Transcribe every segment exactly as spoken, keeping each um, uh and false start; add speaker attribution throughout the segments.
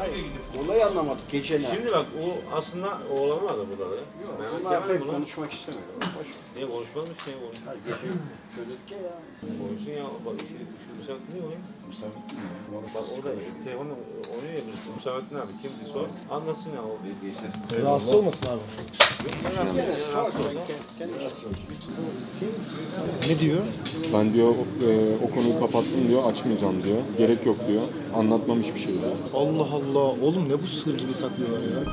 Speaker 1: Hayır,
Speaker 2: gidip.
Speaker 1: olayı anlamadık geçen ay.
Speaker 3: Şimdi bak o aslında oğlanın adı burada da.
Speaker 1: Yok,
Speaker 3: Mehmet
Speaker 1: bunlar
Speaker 3: Kemal
Speaker 1: pek
Speaker 3: bunu-
Speaker 1: konuşmak istemiyor. Boş.
Speaker 3: Niye konuşmazmış niye konuşmaz?
Speaker 1: Her gece çocuk ya ya.
Speaker 3: Konuşsun ya bak işte şu Müsamettin ne oluyor? Bak orada telefonla oynuyor ya birisi. Müsamettin abi kimdi sor. Anlatsın ya o bilgisi.
Speaker 4: Rahatsız olmasın abi.
Speaker 1: Kendi rastlı olacak.
Speaker 4: Ne diyor?
Speaker 5: Ben diyor e, o konuyu kapattım diyor, açmayacağım diyor. Gerek yok diyor. Anlatmam hiçbir şey diyor.
Speaker 4: Allah Allah. Oğlum ne bu sır gibi saklıyorlar ya.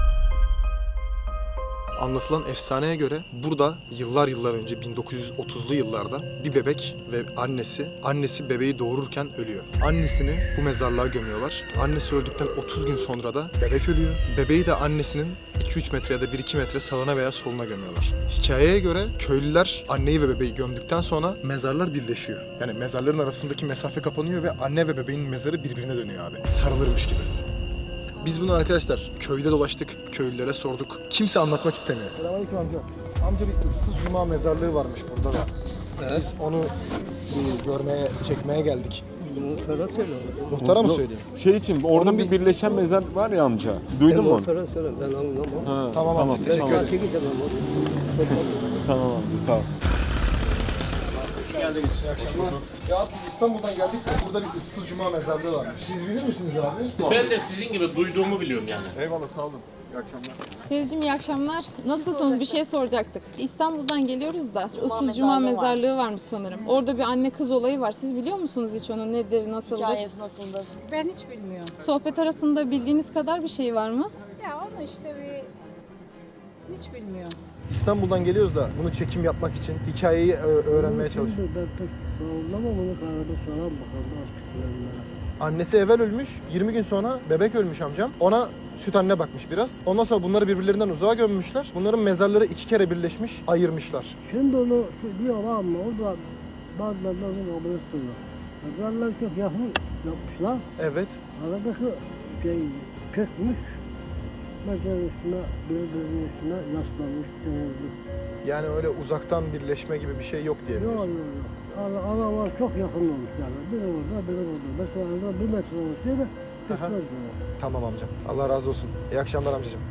Speaker 4: Anlatılan efsaneye göre burada yıllar yıllar önce bin dokuz yüz otuzlu yıllarda bir bebek ve annesi, annesi bebeği doğururken ölüyor. Annesini bu mezarlığa gömüyorlar. Annesi öldükten otuz gün sonra da bebek ölüyor. Bebeği de annesinin iki üç metre ya da bir iki metre sağına veya soluna gömüyorlar. Hikayeye göre köylüler anneyi ve bebeği gömdükten sonra mezarlar birleşiyor. Yani mezarların arasındaki mesafe kapanıyor ve anne ve bebeğin mezarı birbirine dönüyor abi. Sarılırmış gibi. Biz bunu arkadaşlar köyde dolaştık, köylülere sorduk. Kimse anlatmak istemiyor. Selamünaleyküm amca. Amca bir ıssız cuma mezarlığı varmış burada da.
Speaker 2: Evet.
Speaker 4: Biz onu bir görmeye, çekmeye geldik.
Speaker 2: Muhtara söyle.
Speaker 4: Muhtara mı
Speaker 5: Yok,
Speaker 4: söyleyeyim?
Speaker 5: Şey için orada
Speaker 4: Onun
Speaker 5: bir
Speaker 4: bir-
Speaker 5: birleşen mezar var ya amca. Duydun mu? onu?
Speaker 2: Muhtara söyle ben anlamam.
Speaker 5: Ha,
Speaker 4: Tamam
Speaker 5: tamam.
Speaker 4: amca, teşekkür
Speaker 5: Tamam,
Speaker 4: ederim.
Speaker 2: Belki gidemem onu.
Speaker 5: tamam amca sağ ol.
Speaker 4: Hoş geldiniz. İyi akşamlar. Ya biz İstanbul'dan geldik de burada bir ıssız cuma mezarlığı varmış. Siz bilir misiniz abi?
Speaker 6: Ben de sizin gibi duyduğumu biliyorum yani.
Speaker 5: Eyvallah sağ olun. İyi akşamlar.
Speaker 7: Teyzeciğim iyi akşamlar. Nasılsınız? Bir şey soracaktık. İstanbul'dan geliyoruz da
Speaker 8: Cuma
Speaker 7: ıssız cuma
Speaker 8: mezarlığı
Speaker 7: mezarlığı varmış sanırım. Orada bir anne kız olayı var. Siz biliyor musunuz hiç onun nedir, nasıldır?
Speaker 8: Hikayesi nasıldır?
Speaker 9: Ben hiç bilmiyorum.
Speaker 7: Sohbet arasında bildiğiniz kadar bir şey var mı?
Speaker 9: Ya onu işte bir hiç bilmiyorum.
Speaker 4: İstanbul'dan geliyoruz da bunu çekim yapmak için hikayeyi ö- öğrenmeye çalışıyoruz.
Speaker 2: Ben pek anlamam onu kararda soran bakalım artık bilenlere.
Speaker 4: Annesi evvel ölmüş, yirmi gün sonra bebek ölmüş amcam. Ona süt anne bakmış biraz. Ondan sonra bunları birbirlerinden uzağa gömmüşler. Bunların mezarları iki kere birleşmiş, ayırmışlar.
Speaker 2: Şimdi onu diyorlar ama o da bazıları onu kabul etmiyor. Mezarlar çok yakın yapmışlar.
Speaker 4: Evet.
Speaker 2: Aradaki şey çökmüş. Mezar üstüne birbirinin üstüne yaslanmış denildi.
Speaker 4: Yani öyle uzaktan birleşme gibi bir şey yok diye
Speaker 2: Yok yok
Speaker 4: biliyorsun.
Speaker 2: yok. Ara, aralar çok yakın olmuş yani. Biri orada biri burada. Mesela arada bir metre olsaydı çökmez yani.
Speaker 4: Tamam amcam. Allah razı olsun. İyi akşamlar amcacığım.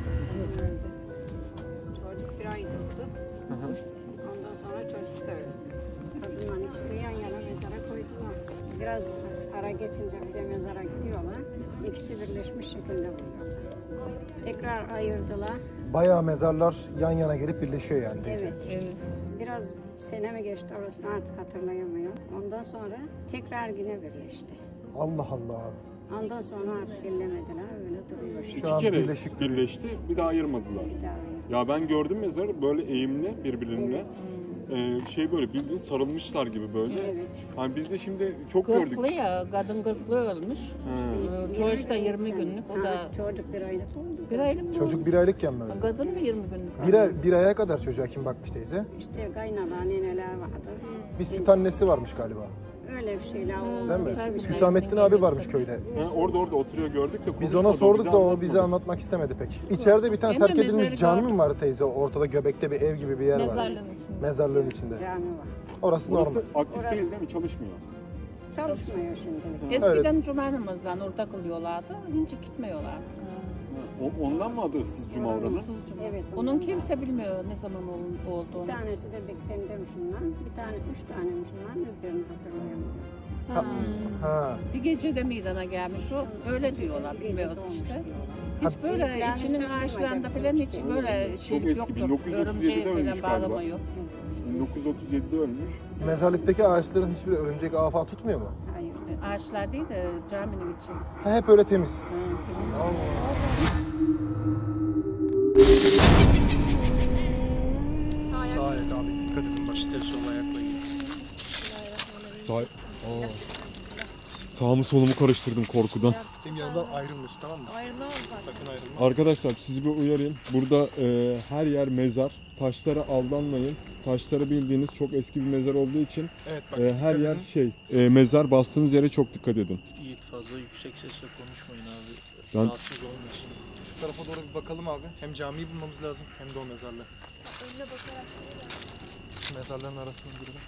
Speaker 9: Çocuk bir ay durdu. Ondan sonra çocuk da öldü. Kadınla ikisini yan yana mezara koydular. Biraz ara geçince bir de mezara gidiyorlar. İkisi birleşmiş şekilde buluyorlar. Tekrar ayırdılar.
Speaker 4: Bayağı mezarlar yan yana gelip birleşiyor yani teyze.
Speaker 9: Evet. Biraz sene mi geçti orasını artık hatırlayamıyorum. Ondan sonra tekrar yine birleşti.
Speaker 4: Allah Allah.
Speaker 9: Ondan sonra artık ellemediler. Öyle duruyor şimdi.
Speaker 4: Şu an
Speaker 5: İki kere
Speaker 4: birleşik.
Speaker 5: birleşti, bir daha ayırmadılar.
Speaker 9: Bir daha ayırdı.
Speaker 5: Ya ben gördüm mezarı böyle eğimli birbirine.
Speaker 9: Evet.
Speaker 5: Ee, şey böyle birbirine sarılmışlar gibi böyle.
Speaker 9: Evet.
Speaker 5: Hani biz de şimdi çok gördük.
Speaker 8: Gırklı ya, kadın gırklı ölmüş.
Speaker 5: Ha.
Speaker 8: Ee, Çocuk da yirmi günlük, o da
Speaker 9: Ha, çocuk bir aylık oldu.
Speaker 8: bir aylık mı?
Speaker 4: Çocuk bir aylıkken mi öldü?
Speaker 8: Kadın mı yirmi günlük?
Speaker 4: Bir, ay, bir aya kadar çocuğa kim bakmış teyze?
Speaker 9: İşte kaynana neneler vardı.
Speaker 4: Bir süt annesi varmış galiba.
Speaker 9: Öyle bir şeyler oldu.
Speaker 4: Değil mi?
Speaker 8: Tabii.
Speaker 4: Hüsamettin abi varmış köyde.
Speaker 5: Ha, orada orada oturuyor gördük de
Speaker 4: Biz
Speaker 5: konuşmadı,
Speaker 4: ona sorduk
Speaker 5: bize
Speaker 4: da o
Speaker 5: anlatmadı.
Speaker 4: bize anlatmak istemedi pek. İçeride bir tane
Speaker 8: Hem de
Speaker 4: terk edilmiş
Speaker 8: mezarı
Speaker 4: cami
Speaker 8: gördüm.
Speaker 4: mi var teyze? Ortada göbekte bir ev gibi bir yer var.
Speaker 7: Mezarlığın içinde.
Speaker 4: Mezarlığın içinde.
Speaker 9: Cami var.
Speaker 4: Orası normal.
Speaker 5: Orası aktif
Speaker 9: Orası-
Speaker 5: değil değil mi? Çalışmıyor.
Speaker 9: Çalışmıyor şimdilik.
Speaker 8: Eskiden cuma namazlarını orada kılıyorlardı, hiç gitmiyorlar.
Speaker 5: O, ondan mı adı ıssız cuma oranın?
Speaker 9: Evet.
Speaker 8: Onun
Speaker 9: ondan
Speaker 8: kimse bilmiyor ne zaman ol-
Speaker 9: Bir
Speaker 8: olduğunu.
Speaker 9: tanesi de Bekten'de Müslüman, bir tane, üç tane Müslüman, öbürünü hatırlayamıyorum.
Speaker 4: Ha. ha.
Speaker 8: Bir gecede meydana gelmiş o, öyle diyorlar,
Speaker 9: Bir gece
Speaker 8: bilmiyoruz
Speaker 9: doğmuş
Speaker 8: işte.
Speaker 9: diyorlar.
Speaker 8: Hiç böyle
Speaker 9: Yani
Speaker 8: içinin
Speaker 9: işte
Speaker 8: ağaçlarında
Speaker 9: bilmeyeceksin
Speaker 8: falan
Speaker 9: bir
Speaker 8: hiç
Speaker 9: şey.
Speaker 8: böyle şeylik
Speaker 5: eski,
Speaker 8: yoktur.
Speaker 5: bin dokuz yüz otuz yedide
Speaker 8: Örümceği
Speaker 5: ölmüş
Speaker 8: falan
Speaker 5: galiba.
Speaker 8: bağlama yok.
Speaker 5: bin dokuz yüz otuz yedide ölmüş.
Speaker 4: Mezarlıktaki ağaçların hiçbiri örümcek ağı falan tutmuyor mu?
Speaker 9: Hayır.
Speaker 8: Ağaçlar değil de caminin içi.
Speaker 4: Ha, hep öyle temiz.
Speaker 8: Ha, temiz.
Speaker 4: Sağ ayak abi dikkat edin bak.
Speaker 6: İşte sol ayakla git.
Speaker 5: Sağ... Aa. Sağımı solumu karıştırdım korkudan.
Speaker 4: Benim yanımdan ayrılmıyorsun tamam mı?
Speaker 9: Ayrılamaz.
Speaker 4: Sakın ayrılma.
Speaker 5: Arkadaşlar sizi bir uyarayım. Burada e, her yer mezar. Taşlara aldanmayın. Taşları bildiğiniz çok eski bir mezar olduğu için
Speaker 4: Evet bak.
Speaker 5: e, her
Speaker 4: dikkat
Speaker 5: yer
Speaker 4: edin.
Speaker 5: şey e, mezar bastığınız yere çok dikkat edin.
Speaker 6: Yiğit fazla yüksek sesle konuşmayın abi.
Speaker 5: Ben-
Speaker 6: Rahatsız olmasın.
Speaker 4: Şu tarafa doğru bir bakalım abi. Hem camiyi bulmamız lazım hem de o mezarlığı.
Speaker 9: Önüne bakarak.
Speaker 4: Şu mezarların arasına girelim.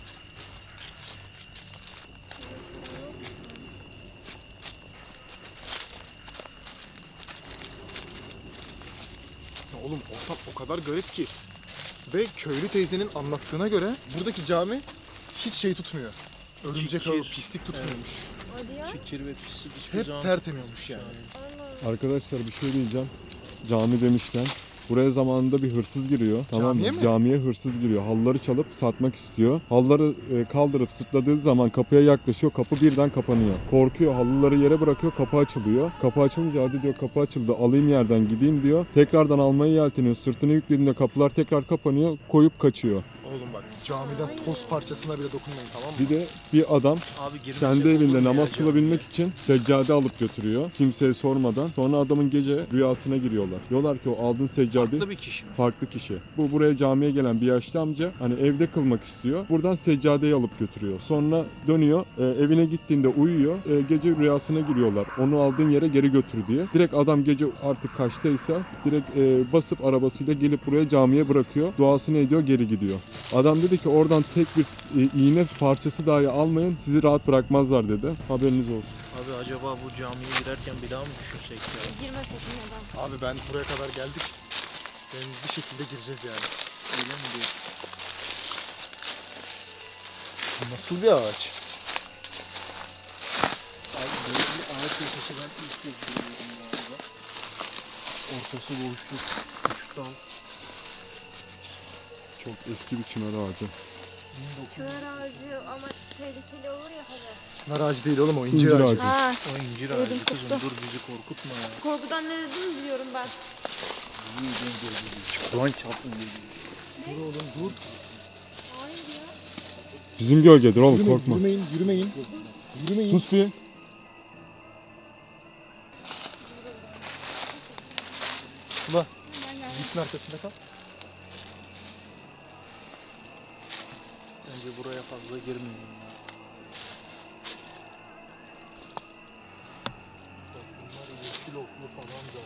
Speaker 4: Oğlum ortam o kadar garip ki. Ve köylü teyzenin anlattığına göre buradaki cami hiç şey tutmuyor. Örümcek ağı,
Speaker 6: Çikir.
Speaker 4: pislik tutmuyormuş.
Speaker 6: Çikir ve pislik hiçbir
Speaker 4: Hep
Speaker 6: zaman
Speaker 4: tertemizmiş yani.
Speaker 5: Arkadaşlar bir şey diyeceğim. Cami demişken buraya zamanında bir hırsız giriyor. Tamam mı?
Speaker 4: Camiye mi?
Speaker 5: Camiye hırsız giriyor. Halıları çalıp satmak istiyor. Halıları e, kaldırıp sırtladığı zaman kapıya yaklaşıyor. Kapı birden kapanıyor. Korkuyor. Halıları yere bırakıyor. Kapı açılıyor. Kapı açılınca hadi diyor kapı açıldı. Alayım yerden gideyim diyor. Tekrardan almaya yelteniyor. Sırtını yüklediğinde kapılar tekrar kapanıyor. Koyup kaçıyor.
Speaker 4: Oğlum bak camiden toz parçasına bile dokunmayın, tamam mı?
Speaker 5: Bir de bir adam
Speaker 6: Abi girmesek
Speaker 5: kendi
Speaker 6: olur
Speaker 5: evinde
Speaker 6: mu ya
Speaker 5: namaz
Speaker 6: acaba?
Speaker 5: kılabilmek için seccade alıp götürüyor. Kimseye sormadan. Sonra adamın gece rüyasına giriyorlar. Diyorlar ki o aldığın seccade
Speaker 6: Farklı bir kişi mi?
Speaker 5: farklı kişi. Bu buraya camiye gelen bir yaşlı amca hani evde kılmak istiyor. Buradan seccadeyi alıp götürüyor. Sonra dönüyor. e, evine gittiğinde uyuyor. E, gece rüyasına giriyorlar. Onu aldığın yere geri götür diye. Direkt adam gece artık kaçtaysa direkt e, basıp arabasıyla gelip buraya camiye bırakıyor. Duasını ediyor, geri gidiyor. Adam dedi ki oradan tek bir e, iğne parçası dahi almayın, sizi rahat bırakmazlar dedi. Haberiniz olsun.
Speaker 6: Abi acaba bu camiye girerken bir daha mı düşünsek ya?
Speaker 9: Girmesek neden?
Speaker 4: Abi ben buraya kadar geldik. Ben bir şekilde gireceğiz yani.
Speaker 6: Öyle mi diyor?
Speaker 4: Nasıl bir ağaç?
Speaker 6: Abi böyle bir ağaç köşesi ben ilk kez görüyorum galiba. Ortası boşluk, küçük dal.
Speaker 5: Çok eski bir çınar ağacı.
Speaker 9: Çınar ağacı ama tehlikeli olur ya hadi.
Speaker 4: Çınar ağacı değil oğlum, o incir,
Speaker 5: İncir
Speaker 4: ağacı.
Speaker 5: ağacı.
Speaker 9: Ha,
Speaker 6: O incir
Speaker 9: Ödüm
Speaker 6: ağacı kızım,
Speaker 9: koptu.
Speaker 6: dur bizi korkutma ya.
Speaker 9: korkudan ne dediğini biliyorum ben.
Speaker 1: Kur'an çarpın.
Speaker 9: Hayır ya.
Speaker 5: Bizim gölgedir oğlum,
Speaker 4: Yürümeyin,
Speaker 5: korkma.
Speaker 4: yürümeyin, yürümeyin. Yürümeyin.
Speaker 5: Sus bir.
Speaker 4: Sıla, gitsin arkasında kal.
Speaker 6: Bence buraya fazla girmeyelim ya. Bak bunlar yeşil oklu falan da.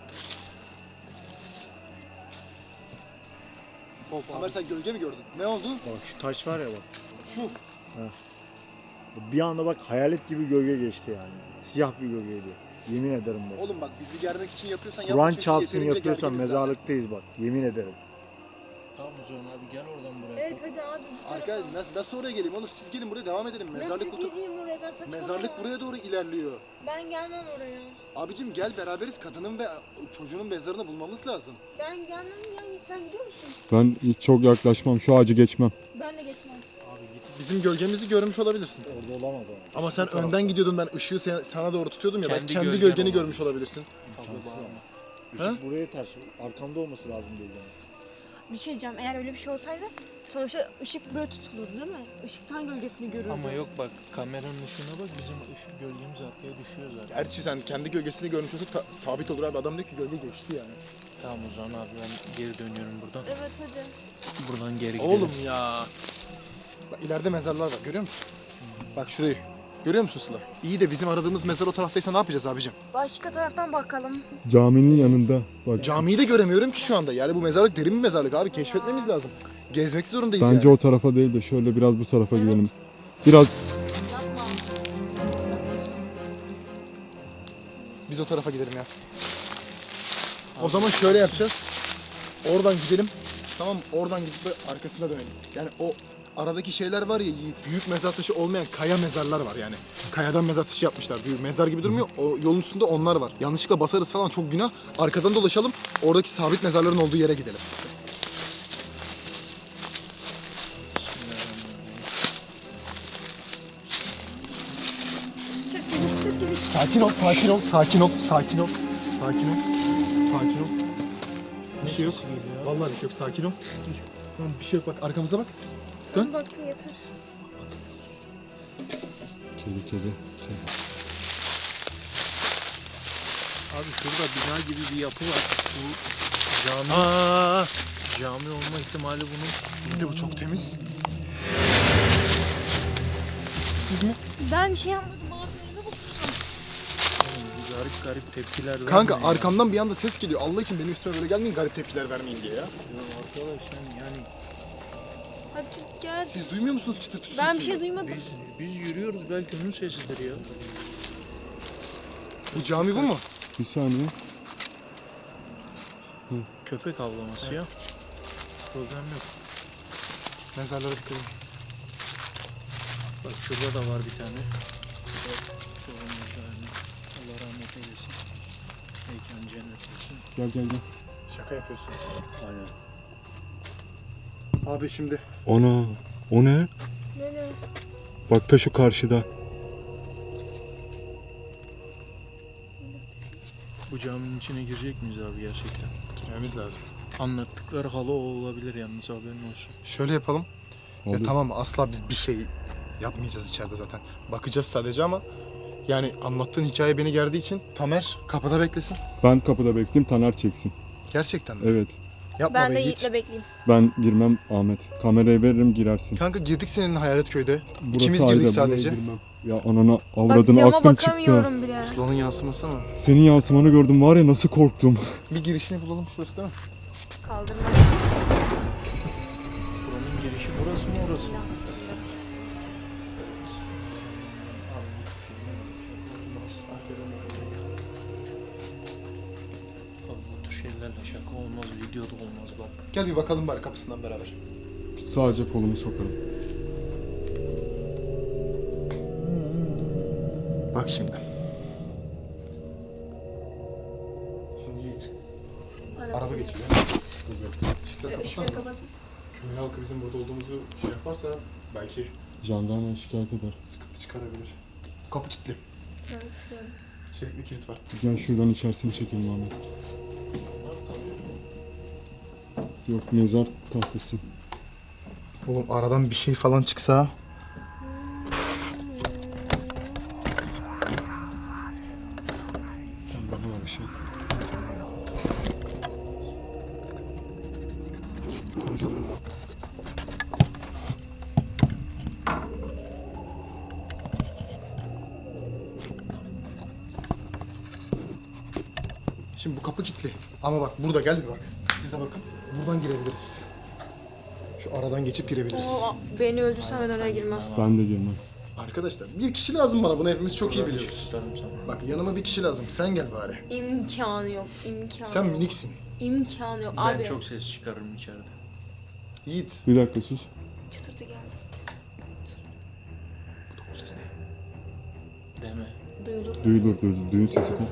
Speaker 4: Ömer sen gölge mi gördün? Ne oldu?
Speaker 1: Bak şu taş var ya bak. Şu. Heh. Bir anda bak hayalet gibi gölge geçti yani. Siyah bir gölgeydi. Yemin ederim bak.
Speaker 4: Oğlum bak bizi germek için yapıyorsan yapma,
Speaker 1: Kur'an
Speaker 4: çünkü
Speaker 1: çarpsın
Speaker 4: yeterince
Speaker 1: yapıyorsan
Speaker 4: gerginiz zaten.
Speaker 1: mezarlıktayız bak. Yemin ederim.
Speaker 6: Tamam o zaman abi gel oradan buraya.
Speaker 9: Evet hadi abi. bu tarafa.
Speaker 4: Arkadaşlar nasıl, nasıl oraya geleyim oğlum, siz gelin buraya devam edelim. Mezarlık bu
Speaker 9: Nasıl gireyim oraya ben saçmalama.
Speaker 4: Mezarlık buraya doğru ilerliyor.
Speaker 9: Ben gelmem oraya.
Speaker 4: Abicim gel beraberiz, kadının ve çocuğunun mezarını bulmamız lazım.
Speaker 9: Ben gelmem ya. Sen gidiyor musun?
Speaker 5: Ben hiç çok yaklaşmam, şu ağacı geçmem.
Speaker 9: Ben de geçmem.
Speaker 6: Abi git.
Speaker 4: Bizim gölgemizi görmüş olabilirsin.
Speaker 1: Orada olamaz o.
Speaker 4: Ama sen önden gidiyordun, ben ışığı sen- sana doğru tutuyordum ya, ben
Speaker 6: Kendi
Speaker 4: kendi
Speaker 6: gölgen
Speaker 4: gölgeni
Speaker 6: olan.
Speaker 4: görmüş olabilirsin.
Speaker 6: Fazla bağırma.
Speaker 1: Işık buraya ters. Arkamda olması lazım gölgenin.
Speaker 9: Bir şey diyeceğim. Eğer öyle bir şey olsaydı sonuçta ışık böyle tutulur değil mi? Işıktan gölgesini görürdü.
Speaker 6: Ama yok bak kameranın ışığına bak bizim ışık gölgemiz arkaya düşüyor zaten.
Speaker 4: Gerçi sen kendi gölgesini görmüş olsa ta- sabit olur abi, adam diyor ki gölge geçti yani.
Speaker 6: Tamam o zaman abi ben geri dönüyorum buradan.
Speaker 9: Evet hadi.
Speaker 6: Buradan geri gidelim.
Speaker 4: Oğlum ya. Bak ileride mezarlar var, görüyor musun? Bak şurayı. Görüyor musun Sıla? İyi de bizim aradığımız mezar o taraftaysa ne yapacağız abicim?
Speaker 9: Başka taraftan bakalım.
Speaker 5: Caminin yanında. Bak.
Speaker 4: Camiyi de göremiyorum ki şu anda. Yani bu mezarlık derin bir mezarlık abi, keşfetmemiz lazım. Gezmek zorundayız
Speaker 5: Bence
Speaker 4: yani.
Speaker 5: o tarafa değil de şöyle biraz bu tarafa
Speaker 9: Evet.
Speaker 5: gidelim. Biraz
Speaker 9: Yapma.
Speaker 4: Biz o tarafa gidelim ya. O zaman şöyle yapacağız. Oradan gidelim. Tamam mı? Oradan gidip böyle arkasına dönelim. Yani o aradaki şeyler var ya Yiğit. Büyük mezar taşı olmayan kaya mezarlar var yani. Kayadan mezar taşı yapmışlar. Büyük mezar gibi durmuyor. O yolun üstünde onlar var. Yanlışlıkla basarız falan, çok günah. Arkadan dolaşalım. Oradaki sabit mezarların olduğu yere gidelim. Sakin ol, sakin ol, sakin ol, sakin ol, sakin ol, sakin ol. Bir şey yok. Vallahi bir şey yok, sakin ol. Tamam, bir şey yok, bak arkamıza bak. Dön.
Speaker 9: Ben baktım yeter.
Speaker 5: kedi kedi. Şey.
Speaker 6: Abi şurada bina gibi bir yapı var. Bu cami,
Speaker 4: Aa,
Speaker 6: cami olma ihtimali bunun.
Speaker 4: bir de bu çok temiz. Siz mi?
Speaker 9: Ben bir şey yapmadım. Abilerime bak.
Speaker 6: Oğlum bu garip garip tepkiler vermiyor
Speaker 4: Kanka
Speaker 6: ya.
Speaker 4: arkamdan bir anda ses geliyor. Allah için benim üstüme böyle gelmeyin, garip tepkiler vermeyin diye ya.
Speaker 6: Ya arkadaş sen yani
Speaker 9: Hadi gel.
Speaker 4: Siz duymuyor musunuz çıtır çıtır?
Speaker 9: Ben bir şey duymadım.
Speaker 6: biz biz yürüyoruz belki onun sesidir ya.
Speaker 4: Bu cami bu mu?
Speaker 5: Bir saniye. Hı.
Speaker 6: Köpek avlaması ya. Problem yok.
Speaker 4: Mezarlara dikkat edin.
Speaker 6: Bak şurada da var bir tane. Solumuzda yani. Allah rahmet eylesin. Mekan cennet olsun.
Speaker 5: Gel gel gel.
Speaker 4: Şaka yapıyorsun.
Speaker 6: Aynen.
Speaker 4: Abi şimdi
Speaker 5: Ana o ne? Bak ta şu karşıda.
Speaker 6: Bu caminin içine girecek miyiz abi gerçekten?
Speaker 4: girmemiz lazım.
Speaker 6: Anlattıkları halı o olabilir yalnız, haberin olsun.
Speaker 4: Şöyle yapalım. Ya
Speaker 5: Olur.
Speaker 4: tamam asla biz bir şey yapmayacağız içeride zaten. Bakacağız sadece ama yani anlattığın hikaye beni gerdiği için Tamer kapıda beklesin.
Speaker 5: Ben kapıda bekleyeyim, Taner çeksin.
Speaker 4: Gerçekten mi?
Speaker 5: Evet.
Speaker 4: Yapma
Speaker 10: Ben
Speaker 4: be
Speaker 10: de
Speaker 4: Yiğit.
Speaker 10: Yiğit'le bekleyeyim.
Speaker 5: Ben girmem Ahmet. Kamerayı veririm girersin.
Speaker 4: Kanka girdik seninle Hayalet Köy'de.
Speaker 5: Burası
Speaker 4: İkimiz
Speaker 5: ayrı,
Speaker 4: girdik
Speaker 5: buraya
Speaker 4: sadece.
Speaker 5: girmem. Ya anana
Speaker 10: Bak
Speaker 5: avradını
Speaker 10: cama
Speaker 5: aklım çıktı.
Speaker 10: bakamıyorum bile.
Speaker 4: Sıla'nın yansıması mı?
Speaker 5: Senin yansımanı gördüm var ya, nasıl korktum.
Speaker 4: Bir girişini bulalım, şurası değil mi?
Speaker 10: Kaldırma.
Speaker 6: Buranın girişi burası mı orası mı? Abi bu tür şeylerle şaka olmaz, videoda olmaz bak.
Speaker 4: Gel bir bakalım bari kapısından beraber.
Speaker 5: Sadece kolumu sokarım.
Speaker 4: Bak şimdi. Şimdi Yiğit. Araba geçiyor. Işıkları kapatsana. Köy halkı bizim burada olduğumuzu şey yaparsa belki
Speaker 5: Jandarma şikayet eder.
Speaker 4: sıkıntı çıkarabilir. Kapı kilitli.
Speaker 10: Evet.
Speaker 4: Çelikli kilit var.
Speaker 5: Gel şuradan içerisini çekelim Ahmet. Yok, mezar tahtası.
Speaker 4: Oğlum aradan bir şey falan çıksa.
Speaker 5: Jandarma var bir şey.
Speaker 4: Şimdi bu kapı kilitli. Ama bak burada gel bir bak. Siz de bakın. Buradan girebiliriz. Şu aradan geçip girebiliriz.
Speaker 10: Oo, beni öldürsen ben oraya girmem.
Speaker 5: Ben de girmem.
Speaker 4: Arkadaşlar bir kişi lazım bana. Bunu hepimiz çok iyi
Speaker 6: Buradan
Speaker 4: biliyoruz.
Speaker 6: ışık tutarım sana.
Speaker 4: Bak yanıma bir kişi lazım. Sen gel bari.
Speaker 10: İmkanı yok. İmkanı
Speaker 4: Sen
Speaker 10: yok.
Speaker 4: miniksin.
Speaker 10: İmkanı yok.
Speaker 6: Ben
Speaker 10: Abi.
Speaker 6: çok ses çıkarırım içeride.
Speaker 4: Yiğit.
Speaker 5: Bir dakika sus.
Speaker 10: Çıtırtı geldi.
Speaker 4: Bu ses ne?
Speaker 6: Deme.
Speaker 10: Duyulur.
Speaker 5: Duyulur duyulur. Düğün sesi kal.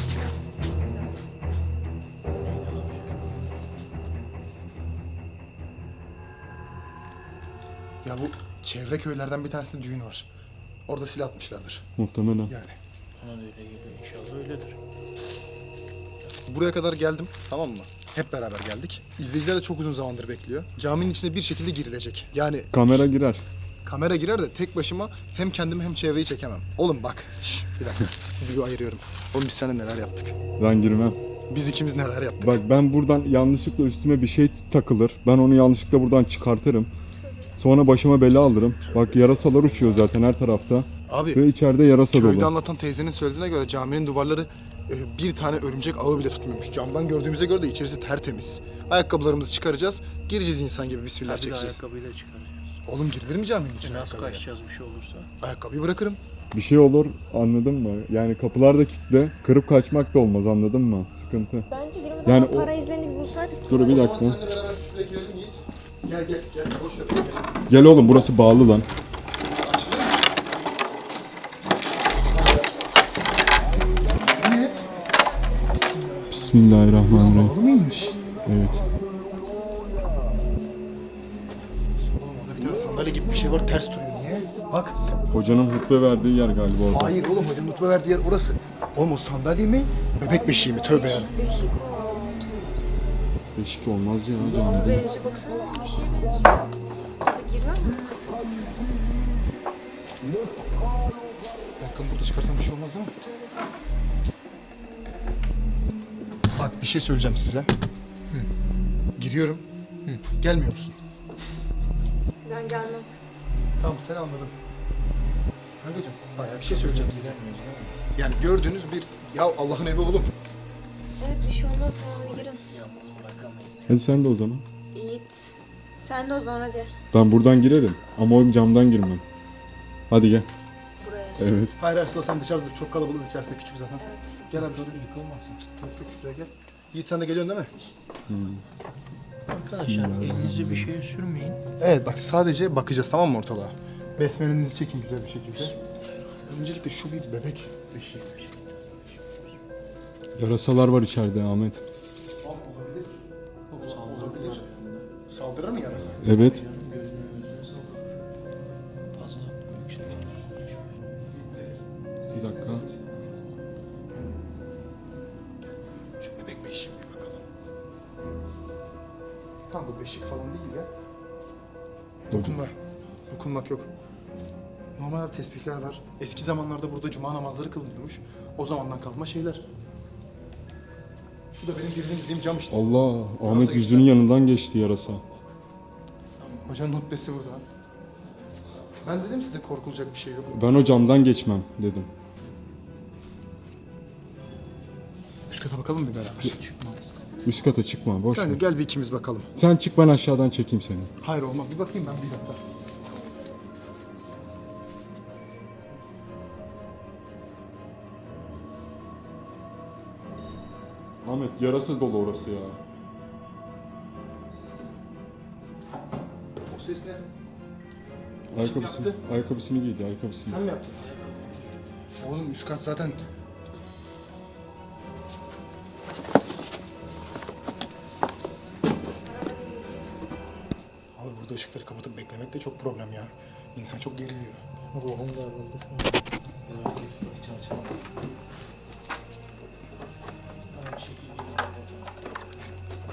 Speaker 4: Ya bu çevre köylerden bir tanesinde düğün var. Orada silah atmışlardır.
Speaker 5: Muhtemelen.
Speaker 4: Yani.
Speaker 6: Bana da öyle geliyor. İnşallah öyledir.
Speaker 4: Buraya kadar geldim, tamam mı? Hep beraber geldik. İzleyiciler de çok uzun zamandır bekliyor. Caminin içine bir şekilde girilecek. Yani
Speaker 5: Kamera girer.
Speaker 4: kamera girer de tek başıma hem kendimi hem çevreyi çekemem. Oğlum bak, şş, bir dakika sizi bir ayırıyorum. Oğlum biz seninle neler yaptık?
Speaker 5: Ben girmem.
Speaker 4: Biz ikimiz neler yaptık?
Speaker 5: Bak ben buradan yanlışlıkla üstüme bir şey takılır. Ben onu yanlışlıkla buradan çıkartırım. Sonra başıma bela alırım. Bak yarasalar uçuyor zaten her tarafta.
Speaker 4: Abi
Speaker 5: Ve içeride yarasa
Speaker 4: köyde
Speaker 5: dolu.
Speaker 4: anlatan teyzenin söylediğine göre caminin duvarları e, bir tane örümcek ağı bile tutmuyormuş. Camdan gördüğümüze göre de içerisi tertemiz. Ayakkabılarımızı çıkaracağız, gireceğiz insan gibi bismillah
Speaker 6: Hadi de
Speaker 4: çekeceğiz.
Speaker 6: ayakkabıyla çıkaracağız.
Speaker 4: Oğlum girilir mi caminin
Speaker 6: E
Speaker 4: içine
Speaker 6: nasıl
Speaker 4: ayakkabıyla?
Speaker 6: kaçacağız bir şey olursa?
Speaker 4: Ayakkabıyı bırakırım.
Speaker 5: Bir şey olur, anladın mı? Yani kapılar da kilitli. Kırıp kaçmak da olmaz, anladın mı? Sıkıntı.
Speaker 10: Bence girmeden
Speaker 5: Yani
Speaker 10: yani
Speaker 5: o-
Speaker 10: para izlerini bir bulsaydık.
Speaker 5: Dur bir
Speaker 4: O zaman
Speaker 5: dakika.
Speaker 4: seninle beraber şuraya girelim Yiğit. Gel gel gel boş ver. Gel.
Speaker 5: Gel oğlum, burası bağlı lan.
Speaker 4: Açılır mı? Evet.
Speaker 5: Bismillahirrahmanirrahim.
Speaker 4: Bağlı mıymış?
Speaker 5: Evet.
Speaker 4: Oğlum orada bir tane sandalye gibi bir şey var ters duruyor. Niye? Bak.
Speaker 5: Hocanın hutbe verdiği yer galiba orada.
Speaker 4: Hayır oğlum hocanın nutba verdiği yer orası. Oğlum o sandalye mi? Bebek beşiği mi? Tövbe ya.
Speaker 10: Beşik.
Speaker 5: Beşik olmaz ya
Speaker 10: Ona
Speaker 5: camide.
Speaker 10: benziyor baksana. Bir şeye benziyor. Orada girmem mi?
Speaker 4: Bakın burada çıkarsam bir şey olmaz değil mi? Bak bir şey söyleyeceğim size. Hı. Giriyorum. Hı. Gelmiyor musun?
Speaker 10: Ben gelmem.
Speaker 4: Tamam sen anladın. Kankacığım bak bir şey söyleyeceğim size. Yani gördüğünüz bir ya Allah'ın evi oğlum.
Speaker 10: Evet bir şey olmaz. Sen hadi girin.
Speaker 5: Hadi sen de o zaman.
Speaker 10: Yiğit. Sen de o zaman hadi.
Speaker 5: Ben buradan girerim ama o camdan girmem. Hadi gel.
Speaker 10: Buraya.
Speaker 5: Evet.
Speaker 4: Hayır Arslan sen dışarıda dur. Çok kalabalığız içerisinde küçük zaten.
Speaker 10: Evet.
Speaker 4: Gel abi şöyle yıkılmasın. Çok çok şuraya gel. Yiğit sen de geliyorsun değil mi?
Speaker 6: Arkadaşlar elinizi bir şeye sürmeyin.
Speaker 4: Evet bak sadece bakacağız tamam mı ortalığa? Besmelenizi çekin güzel bir şekilde. Öncelikle şu bir bebek eşiğidir.
Speaker 5: Yarasalar var içeride Ahmet.
Speaker 4: Saldırabilir. Saldırır mı yarasa?
Speaker 5: Evet.
Speaker 6: Fazla yüksek.
Speaker 5: Bir dakika.
Speaker 4: Şu bebek beşiği bir bakalım. Tam bu beşik falan değil ya. Dokunma. Dokunmak yok. Normal tespihler var. Eski zamanlarda burada cuma namazları kılınıyormuş. O zamandan kalma şeyler. Şu da benim girdiğim bizim cam işte.
Speaker 5: Allah, Ahmet yüzünün yanından geçti yarasa.
Speaker 4: Hocanın hutbesi burada. Ben dedim size korkulacak bir şey yok.
Speaker 5: Ben o camdan geçmem dedim.
Speaker 4: Üst kata bakalım mı beraber?
Speaker 5: Üst kata çıkma, boş ver.
Speaker 4: Yani gel bir ikimiz bakalım.
Speaker 5: Sen çık, ben aşağıdan çekeyim seni.
Speaker 4: Hayır olmaz. Bir bakayım ben bir dakika.
Speaker 5: Ahmet yarasa dolu orası ya.
Speaker 4: O ses ne?
Speaker 5: Ayakkabısını,
Speaker 4: yaptı?
Speaker 5: ayakkabısını giydi, ayakkabısını.
Speaker 4: Sen mi yaptın? Oğlum üst kat zaten... Abi burada ışıkları kapatıp beklemek de çok problem ya. İnsan çok geriliyor.
Speaker 6: Ruhum darıldı şu an. Merak etme, çarşamba. Aynı şekilde geliyor.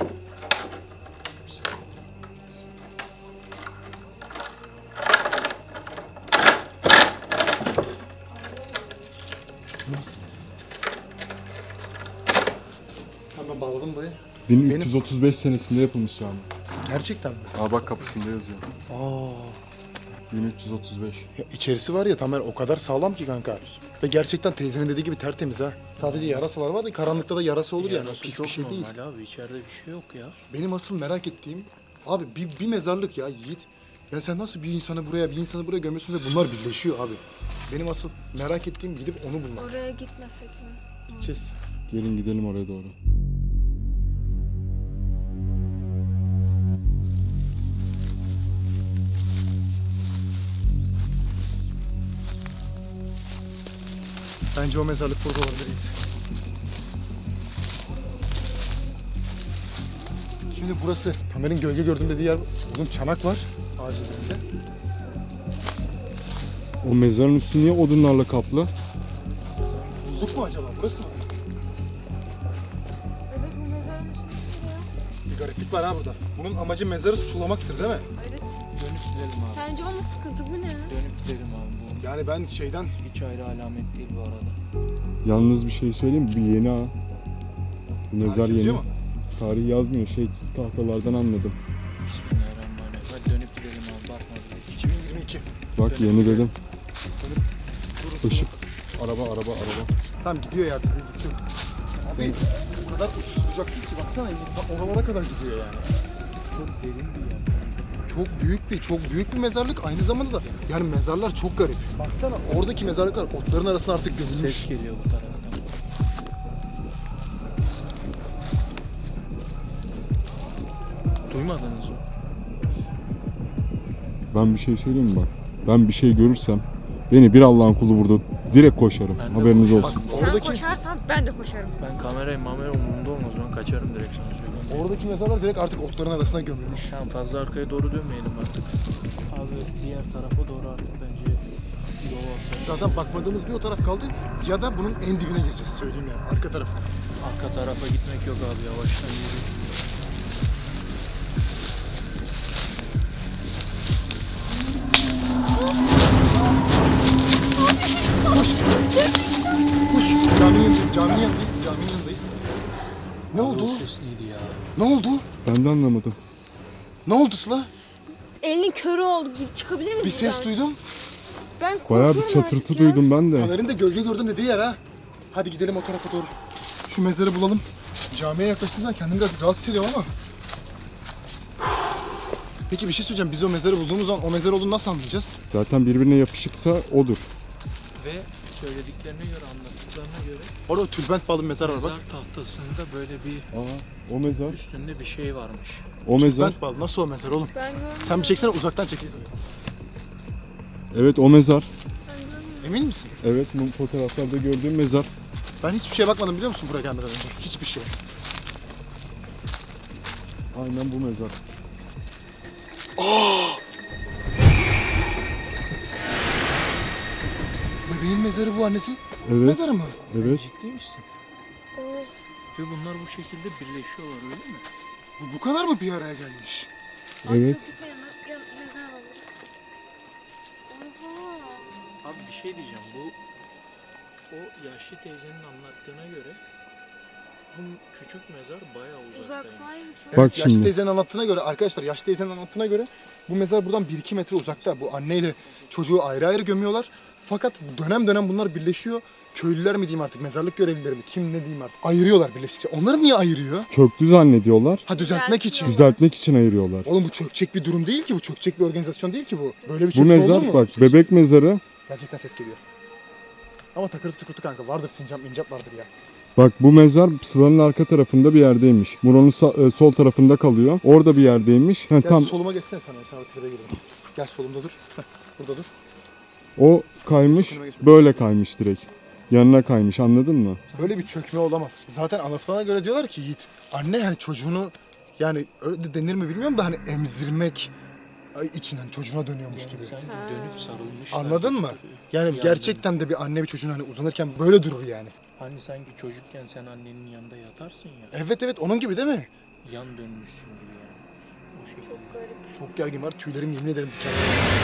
Speaker 4: Hemen bağladım dayı.
Speaker 5: bin üç yüz otuz beş senesinde yapılmış cami.
Speaker 4: Gerçekten mi?
Speaker 5: Aa bak kapısında yazıyor.
Speaker 4: Aa.
Speaker 5: bin üç yüz otuz beş.
Speaker 4: Ya içerisi var ya Tamer o kadar sağlam ki kanka. Ve gerçekten teyzenin dediği gibi tertemiz ha. Sadece yarasalar var da karanlıkta da yarası olur yani.
Speaker 6: Yarası
Speaker 4: Pis
Speaker 6: çok
Speaker 4: bir şey değil.
Speaker 6: normal abi, içeride bir şey yok ya.
Speaker 4: Benim asıl merak ettiğim abi bir, bir mezarlık ya Yiğit. Ya sen nasıl bir insanı buraya bir insanı buraya gömüyorsun ve bunlar birleşiyor abi. Benim asıl merak ettiğim gidip onu bulmak.
Speaker 10: Oraya gitmesek mi?
Speaker 4: Gideceğiz.
Speaker 5: Gelin gidelim oraya doğru.
Speaker 4: Bence o mezarlık burada olabilir Yiğit. Şimdi burası Tamer'in gölge gördüğüm dediği yer. Oğlum çanak var ağacın dibinde.
Speaker 5: O mezarın üstü niye odunlarla kaplı?
Speaker 4: Bulduk mu acaba? Burası mı?
Speaker 10: Evet, bu mezarın üstünde ya.
Speaker 4: Bir gariplik var ha burada. Bunun amacı mezarı sulamaktır değil mi?
Speaker 10: Evet.
Speaker 6: Dönüp gidelim abi.
Speaker 10: Sence o mu sıkıntı, bu ne?
Speaker 6: Dönüp gidelim abi.
Speaker 4: Yani ben şeyden
Speaker 6: Bu hiç ayrı alamet değil bu arada.
Speaker 5: Yalnız bir şey söyleyeyim mi? Bir yeni ha. Bu mezar
Speaker 4: Tarih
Speaker 5: yeni.
Speaker 4: yazıyor mu?
Speaker 5: Tarih yazmıyor. Şey tahtalardan anladım.
Speaker 6: Bismillahirrahmanirrahim. Hadi dönüp gidelim abi, bakma bile.
Speaker 4: iki bin yirmi iki.
Speaker 5: Bak yeni dedim. Işık. Araba, araba, araba.
Speaker 4: Tamam gidiyor ya bizde biz yok. Abi o kadar uçsuz bucaksız ki baksana bak oralara kadar gidiyor yani.
Speaker 6: Çok derin bir yer.
Speaker 4: Çok büyük bir, çok büyük bir mezarlık. Aynı zamanda da yani mezarlar çok garip. Baksana oradaki mezarlıklar otların arasına artık gömülmüş.
Speaker 6: Ses geliyor bu taraftan. Duymadınız mı?
Speaker 5: Ben bir şey söyleyeyim mi bak? Ben bir şey görürsem beni bir Allah'ın kulu burada direkt koşarım.
Speaker 6: Ben de
Speaker 5: Haberiniz
Speaker 6: koşarım.
Speaker 5: olsun.
Speaker 10: Sen
Speaker 4: Oradaki
Speaker 10: koşarsan ben de koşarım.
Speaker 6: Ben kamerayı mamera umurumda olmaz, ben kaçarım direkt sana söyleyeyim.
Speaker 4: oradaki mezarlar direkt artık otların arasına gömülmüş.
Speaker 6: Tamam, fazla arkaya doğru dönmeyelim artık. Abi diğer tarafa doğru artık bence yol olsa.
Speaker 4: Zaten bakmadığımız bir o taraf kaldı ya da bunun en dibine gireceğiz söyleyeyim yani arka taraf.
Speaker 6: Arka tarafa gitmek yok abi, yavaştan yürü.
Speaker 4: Koş caminin yanındayız, caminin yanındayız, caminin yanındayız. Ne oldu?
Speaker 6: O ses neydi ya?
Speaker 4: Ne oldu?
Speaker 5: Ben de anlamadım.
Speaker 4: Ne oldu Sıla?
Speaker 10: Elinin körü oldu. Çıkabilir misin?
Speaker 4: Bir ses duydum.
Speaker 10: Ben
Speaker 5: Bayağı
Speaker 10: korkuyorum
Speaker 5: bir çatırtı
Speaker 10: artık ya.
Speaker 5: duydum ben de.
Speaker 4: Taner'in de gölge gördüm dediği yer ha. Hadi gidelim o tarafa doğru. Şu mezarı bulalım. Camiye yaklaştığımda kendimi biraz rahat hissediyorum ama. Peki bir şey söyleyeceğim. Biz o mezarı bulduğumuz zaman o mezar olduğunu nasıl anlayacağız?
Speaker 5: Zaten birbirine yapışıksa odur.
Speaker 6: Ve söylediklerine göre, anlattıklarına göre
Speaker 4: Orada tülbent bağlı bir mezar var
Speaker 6: mezar
Speaker 4: bak.
Speaker 6: tahtasında böyle bir
Speaker 5: Aa, o mezar.
Speaker 6: üstünde bir şey varmış.
Speaker 5: O mezar.
Speaker 4: Tülbent bağlı. Nasıl o mezar oğlum?
Speaker 10: Ben görmedim.
Speaker 4: Sen bir çeksene, uzaktan çek.
Speaker 5: Evet o mezar.
Speaker 4: Emin misin?
Speaker 5: Evet bu fotoğraflarda gördüğüm mezar.
Speaker 4: Ben hiçbir şeye bakmadım biliyor musun buraya gelmeden önce? Hiçbir şey.
Speaker 5: Aynen bu mezar.
Speaker 4: Bebeğin mezarı bu, annesi.
Speaker 5: Evet.
Speaker 4: Mezarı mı?
Speaker 5: Evet.
Speaker 6: Ciddi misin? Ve bunlar bu şekilde birleşiyorlar öyle mi?
Speaker 4: Bu, bu kadar mı bir araya gelmiş?
Speaker 5: Evet.
Speaker 6: Abi bir şey diyeceğim, bu o yaşlı teyzenin anlattığına göre bu küçük mezar bayağı uzaktaymış.
Speaker 10: Uzaktaymış.
Speaker 4: Evet,
Speaker 5: Bak
Speaker 4: yaşlı
Speaker 5: şimdi.
Speaker 4: teyzenin anlattığına göre arkadaşlar, yaşlı teyzenin anlattığına göre bu mezar buradan bir iki metre uzakta. Bu anneyle çocuğu ayrı ayrı gömüyorlar. Fakat dönem dönem bunlar birleşiyor. Köylüler mi diyeyim artık, mezarlık görevlileri mi, kim ne diyeyim artık. Ayırıyorlar birleştikçe. Onları niye ayırıyor?
Speaker 5: Çöktü zannediyorlar.
Speaker 4: Ha, düzeltmek için.
Speaker 5: Düzeltmek için ayırıyorlar.
Speaker 4: Oğlum bu çökecek bir durum değil ki bu. Çökecek bir organizasyon değil ki bu. Böyle bir
Speaker 5: Bu
Speaker 4: çökme olur
Speaker 5: mezar
Speaker 4: mu?
Speaker 5: bak bebek mezarı.
Speaker 4: Gerçekten ses geliyor. Ama takırtı tukurtu kanka. Vardır sincap mincap vardır ya.
Speaker 5: Bak bu mezar sıranın arka tarafında bir yerdeymiş. Muron'un sa- e, sol tarafında kalıyor. Orada bir yerdeymiş. Ha,
Speaker 4: Gel
Speaker 5: tam
Speaker 4: soluma geçsene sana. Sana tribe gireyim. Gel solumda dur. Heh, burada dur.
Speaker 5: o kaymış, böyle kaymış direkt. Yanına kaymış, anladın mı?
Speaker 4: Böyle bir çökme olamaz. Zaten anlatılana göre diyorlar ki Yiğit, anne yani çocuğunu, yani öyle de denir mi bilmiyorum da hani emzirmek için hani çocuğuna dönüyormuş
Speaker 6: Yani
Speaker 4: gibi.
Speaker 6: sanki
Speaker 10: Ha.
Speaker 6: dönüp sarılmış.
Speaker 4: Anladın mı? Yani
Speaker 6: Yani-
Speaker 4: gerçekten de bir anne bir çocuğun hani uzanırken böyle durur yani.
Speaker 6: Hani sanki çocukken sen annenin yanında yatarsın ya.
Speaker 4: Evet evet, onun gibi değil mi?
Speaker 6: Yan dönmüşsün gibi yani. O şekilde.
Speaker 10: Çok garip.
Speaker 4: Çok gergin var. Tüylerim yemin ederim diken.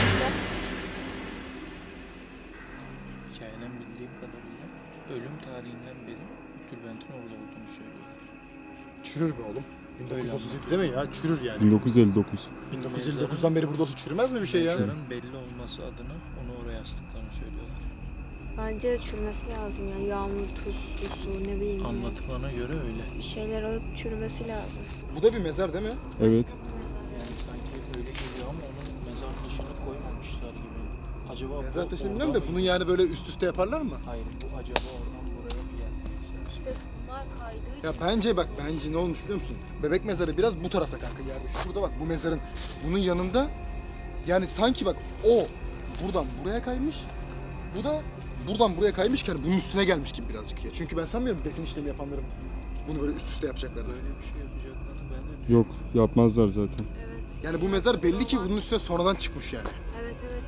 Speaker 6: Hikayeden bildiğim kadarıyla ölüm tarihinden beri tülbentin orada olduğunu söylüyorlar.
Speaker 4: Çürür be oğlum. bin dokuz yüz otuz yedi
Speaker 6: Öyle
Speaker 4: değil mi ya? Çürür yani.
Speaker 5: bin dokuz yüz elli dokuz.
Speaker 4: bin dokuz yüz elli dokuzdan beri burada olsa çürümez mi bir şey ya?
Speaker 6: Mezarın belli olması adına onu oraya astıklarını söylüyorlar.
Speaker 10: Bence çürümesi lazım ya. Yağmur, tuz, su, ne bileyim. ya.
Speaker 6: Anlatılana göre öyle.
Speaker 10: Bir şeyler alıp çürümesi lazım.
Speaker 4: Bu da bir mezar değil mi?
Speaker 5: Evet.
Speaker 6: Yani sanki öyle geliyor ama onun mezar taşını koymamışlar gibi. Acaba
Speaker 4: Mezar
Speaker 6: bu
Speaker 4: taşını
Speaker 6: oradan
Speaker 4: bilmiyorum da
Speaker 6: mı-
Speaker 4: bunu yani böyle üst üste yaparlar mı?
Speaker 6: Hayır, bu acaba oradan buraya mı gelmişler?
Speaker 10: İşte bunlar kaydığı için.
Speaker 4: Ya bence bak, bence ne olmuş biliyor musun? Bebek mezarı biraz bu tarafta kanka yerde. Şurada bak, bu mezarın bunun yanında, yani sanki bak o buradan buraya kaymış. Bu da buradan buraya kaymışken bunun üstüne gelmiş gibi birazcık ya. Çünkü ben sanmıyorum defin işlemi yapanların bunu böyle üst üste yapacaklarını.
Speaker 6: Böyle bir şey yapacaklarını ben de
Speaker 5: Yok yapmazlar zaten.
Speaker 10: Evet.
Speaker 4: Yani bu mezar belli ki bunun üstüne sonradan çıkmış yani.
Speaker 10: Evet evet.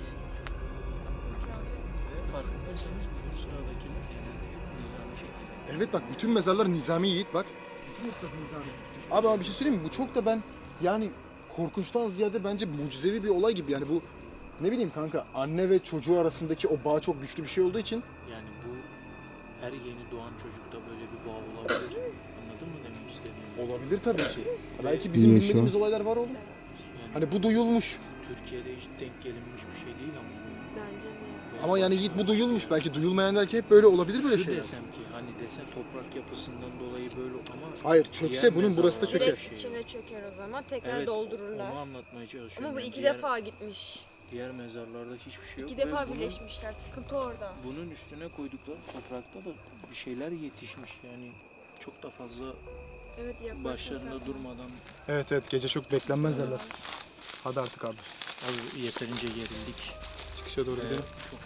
Speaker 6: Ve farkındaysanız bu sıradakiler genelde hep nizami şekilde.
Speaker 4: Evet bak, bütün mezarlar nizami Yiğit bak. Bütün mezarlar nizami. Abi ama bir şey söyleyeyim mi? Bu çok da ben yani korkunçtan ziyade bence mucizevi bir olay gibi. Yani bu ne bileyim kanka, anne ve çocuğu arasındaki o bağ çok güçlü bir şey olduğu için.
Speaker 6: Yani bu her yeni doğan çocukta böyle bir bağ olabilir. Anladın mı demek istediğimi?
Speaker 4: Olabilir tabii ki. Belki bizim
Speaker 5: Yaşa.
Speaker 4: bilmediğimiz olaylar var oğlum.
Speaker 6: Yani
Speaker 4: Hani bu duyulmuş.
Speaker 6: Türkiye'de hiç denk gelinmiş bir şey değil ama.
Speaker 10: Bence de.
Speaker 4: Ama yani Yiğit bu duyulmuş. Belki duyulmayan belki hep böyle olabilir böyle
Speaker 6: Şu
Speaker 4: şeyler.
Speaker 6: desem ki hani desen toprak yapısından dolayı böyle ama
Speaker 4: Hayır, çökse
Speaker 6: diğer
Speaker 4: bunun burası da
Speaker 6: mezarlar-
Speaker 4: çöker.
Speaker 10: Direkt içine çöker o zaman. Tekrar
Speaker 6: Evet,
Speaker 10: doldururlar.
Speaker 6: onu anlatmaya çalışıyorum.
Speaker 10: Ama bu
Speaker 6: Yani
Speaker 10: iki
Speaker 6: diğer,
Speaker 10: defa gitmiş.
Speaker 6: diğer mezarlarda hiçbir şey yok.
Speaker 10: İki
Speaker 6: ve
Speaker 10: defa
Speaker 6: bunun-
Speaker 10: birleşmişler. Sıkıntı orada.
Speaker 6: Bunun üstüne koydukları toprakta da bir şeyler yetişmiş yani çok da fazla
Speaker 10: Evet yaklaşma
Speaker 6: başlarında
Speaker 10: sen.
Speaker 6: durmadan
Speaker 4: Evet evet, gece çok beklenmez derler. Hadi artık abi.
Speaker 6: az yeterince gerildik.
Speaker 4: Çıkışa doğru
Speaker 6: Ve
Speaker 4: gidelim.
Speaker 6: çok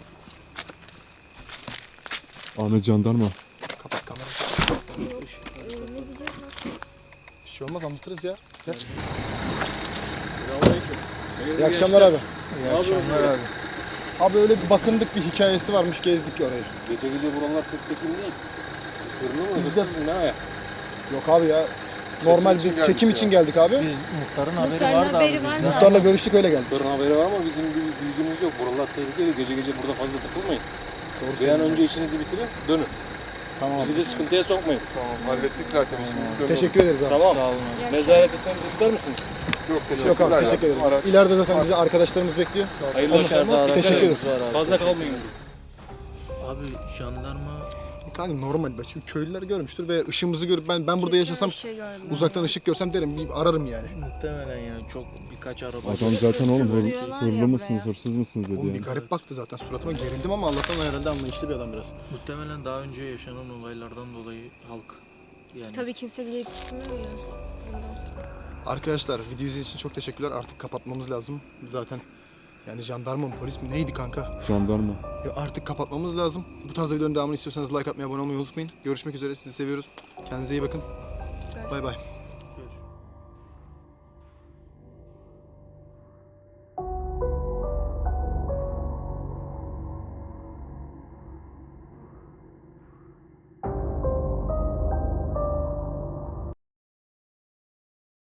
Speaker 5: Ahmet jandarma.
Speaker 4: Kapat kamerayı.
Speaker 10: Yok. Ee, ne diyeceğiz? Ne yapacağız?
Speaker 4: Bir şey olmaz, anlatırız ya. Gel.
Speaker 3: Selamünaleyküm.
Speaker 4: İyi akşamlar abi.
Speaker 3: İyi akşamlar abi.
Speaker 4: Abi öyle bir bakındık, bir hikayesi varmış, gezdik orayı.
Speaker 3: Gece gece buralar pek tekin değil. Sırrını mı?
Speaker 4: Bizde-
Speaker 3: Hırsız mı? Ne ayak?
Speaker 4: Yok abi ya. Normal
Speaker 3: için
Speaker 4: biz
Speaker 3: geldik
Speaker 4: çekim
Speaker 3: ya.
Speaker 4: için geldik abi.
Speaker 6: Biz muhtarın haberi
Speaker 10: Muhtarın
Speaker 6: vardı
Speaker 10: haberi
Speaker 6: abi
Speaker 10: var
Speaker 6: bizden.
Speaker 10: zaten.
Speaker 4: Muhtarla görüştük, öyle geldik.
Speaker 3: Doktorun haberi var ama bizim bir bilgimiz yok. Buralar tehlikeli. Gece gece burada fazla takılmayın.
Speaker 4: Doğru
Speaker 3: Bir an
Speaker 4: söylüyorsun.
Speaker 3: önce işinizi bitirin, dönün.
Speaker 4: Tamam abi.
Speaker 3: Bizi de sıkıntıya sokmayın. Tamam, hallettik zaten işimizi.
Speaker 4: Teşekkür ederiz abi.
Speaker 3: Tamam.
Speaker 6: Sağ olun abi.
Speaker 3: Mezaret etmemizi ister misiniz? Yok,
Speaker 4: Yok abi, teşekkür ederiz.
Speaker 3: Araç.
Speaker 4: İleride zaten bizi arkadaşlarımız bekliyor.
Speaker 3: Hayırlı
Speaker 6: Onu-
Speaker 3: akşamlar.
Speaker 4: Teşekkür ederiz.
Speaker 6: Var abi.
Speaker 3: Fazla kalmayın.
Speaker 6: Abi jandarma
Speaker 4: Kanka normal bak şimdi köylüler görmüştür ve ışığımızı görüp ben ben burada yaşasam
Speaker 10: Kesin bir şey gördüm.
Speaker 4: uzaktan ışık görsem derim bir ararım yani.
Speaker 6: Muhtemelen yani çok birkaç araba.
Speaker 5: Adam zaten oğlum hır,
Speaker 10: Sızlıyorlar ya
Speaker 5: hırlı mısınız,
Speaker 10: buraya.
Speaker 5: hırsız mısınız dedi
Speaker 4: Oğlum bir
Speaker 5: yani.
Speaker 4: garip baktı zaten suratıma gerildim ama Allah'tan herhalde anlayışlı bir adam biraz.
Speaker 6: Muhtemelen daha önce yaşanan olaylardan dolayı halk yani
Speaker 10: Tabii kimse gidip gitmiyor ya. Ondan.
Speaker 4: Arkadaşlar video izlediğiniz için çok teşekkürler. Artık kapatmamız lazım. Zaten yani jandarma mı polis mi neydi kanka?
Speaker 5: Jandarma.
Speaker 4: Ya artık kapatmamız lazım. Bu tarz videoların devamını istiyorsanız like atmayı, abone olmayı unutmayın. Görüşmek üzere. Sizi seviyoruz. Kendinize iyi bakın. Bay bay.